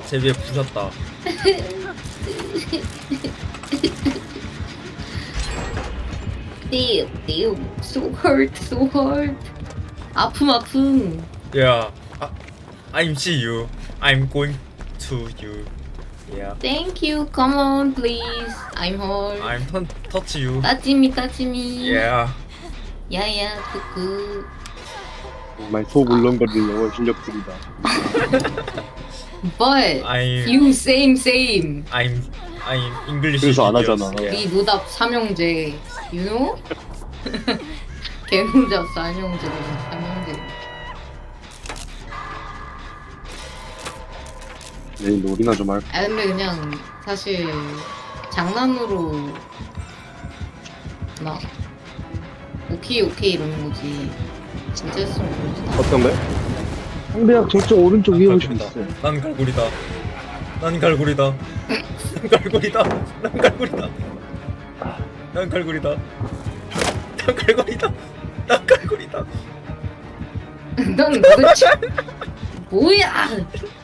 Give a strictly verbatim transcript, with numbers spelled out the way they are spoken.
제 위에 부셨다. damn, damn, so hurt, so hurt. 아픔 아픔. Yeah, I, I'm see you. I'm going to you. Yeah, Thank you. Come on, please. I'm hurt. I'm t- touch you. 따지미 따지미. Yeah, 야야 끄끄. 정말 속 울렁거리는 영어 실력들이다. But I'm you same same. I'm I'm English. 그래서 안 genius. 하잖아. Yeah. 네 노답 삼형제. You know? 개노답 삼형제 삼형제. 내일 놀이나 좀 할까? 아 근데 그냥 사실 장난으로 막 오케이 오케이 이러는 거지. 진짜 했으면 그러지. 어떤 거야? 상대학 저쪽 오른쪽 위에 오시면 갈고리다. 있어요. 난 갈고리다. 난 갈고리다. 난 갈고리다. 난 갈고리다. 난 갈고리다. 난 갈고리다. 난 갈고리다. 넌 도대체 뭐야?